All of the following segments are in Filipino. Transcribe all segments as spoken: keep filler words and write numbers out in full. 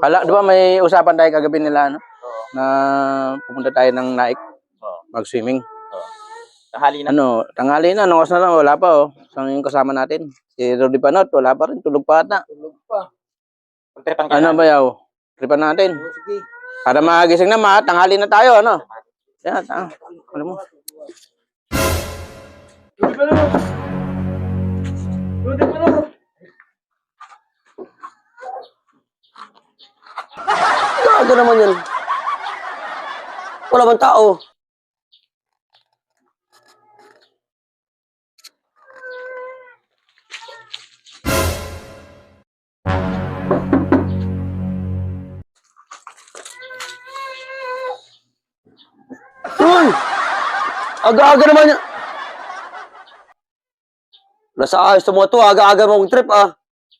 Ala, di ba may usapan tayo kagabi nila, ano? Na pupunta tayo ng Naik, mag-swimming. Tanghali na. Ano, tanghali na, nung oras na lang, wala pa, oh. Saan yung kasama natin? Si Rudy Panot, wala pa rin, tulog pa ata. Tulog pa. Magtrepang ka Ano na. ba yaw? Tripan natin. Oh, sige. Para magising na, ma, tanghali na tayo, ano? Yan, ah, alam mo. Rudy pa naman. Rudy pa naman. Gago naman yan. Wala bang tao? Uy! Aga-aga naman yan. Nasa ayos mo to, aga-aga mong trip ah.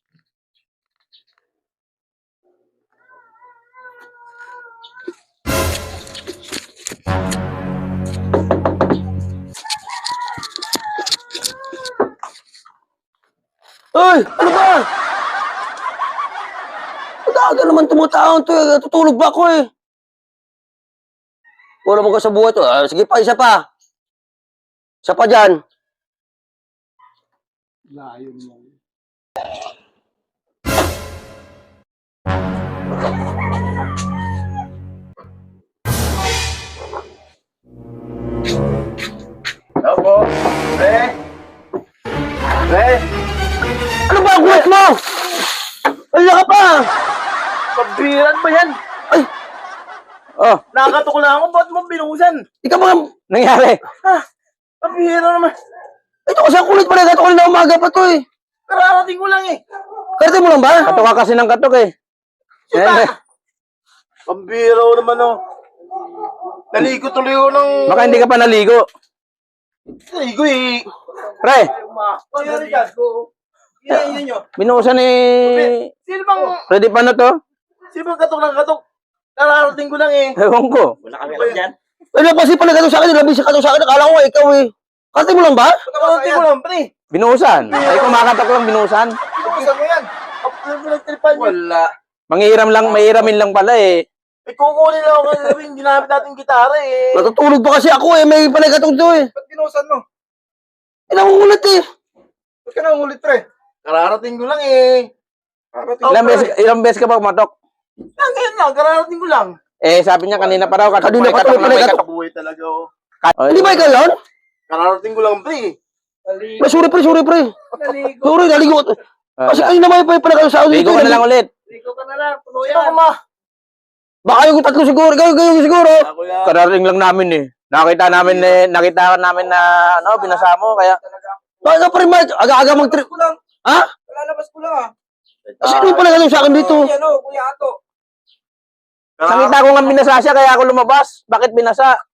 Uy! Ano ba? Aga-aga naman tumutaon to eh. Tutulog ba ako eh? Wala mo ka sa buhay to. Ah, sige pa, isa pa. Isa pa dyan. Layo mo. Opo. Pre. Pre. Ano ba ang kuwet mo? Ay, ka pa! Pabiran ba yan? Ay, Oh, Nakakatok na ako. Ba't mo binuhusan? ikaw mga... nangyari. Pabira naman. Ito kasi ang kulit pala. Ito ko na umaga pa to eh. Kararating ko lang eh. Karte mo lang ba? Katok ka kasi ng katok, eh. Eh, Pambira ko naman oh. Naligo tuloy ko ng... baka hindi ka pa naligo. Naligo eh. Pre, Oh, yun dyan. Yan, yan, yun. binuusan ni Sino bang... Rudy Panot, oh. Sino bang katok ng katok? Kararating ko lang eh. Ewan ko. Wala kami alam dyan. Ano kasi pala gato sa akin? Labi sa gato sa akin. Akala ko ikaw eh. Karte mo lang ba? Kararating ko lang, pre. Binuusan. Ay, kumakatok lang, binuusan. Pinuhusan mo yan. Ang pinagtripan niyo. Wala. Manghiram lang, mahiramin lang pala, eh. Eh, kukunin lang ako kasi sabihin, ginamit natin gitara eh. Natutulog pa kasi ako eh. May panagatong to eh. Ba't pinusan mo? Eh, nangungulit eh. Ba't ka na ulit, pre? Kararating ko lang eh. Karating. Ilang beses, ilang beses ka ba kumatok? Ah, ngayon lang, kararating ko lang. Eh, sabi niya kanina pa raw, katok Kanina pa, pa katok to, na, pala may katok. katok. Kabuhay talaga oh. Oh, Hindi ba ikaw yun? Kararating ko lang, pre. Pre, sorry pre, sorry pre. Naligo. Sorry, naligo. Ah, Kasi kanina may panagatong sa akin. ligo ka na lang ulit. Ligo ka na lang. Puno Sino yan. ka ma? Baka yung tatlo siguro. Ikaw, ikaw siguro. Ako yan. Karating lang namin, eh. Nakita namin, eh, nakita namin na, ano, binasa mo, kaya, Baka nga pre, Mike. Aga-aga mag trip. Ko lang. Ha? Lalabas ko lang ah. Kasi yung panagatong sa akin dito. Yan o, Kuya Ato. nakita ko nga binasa siya, kaya ako lumabas. Bakit binasa?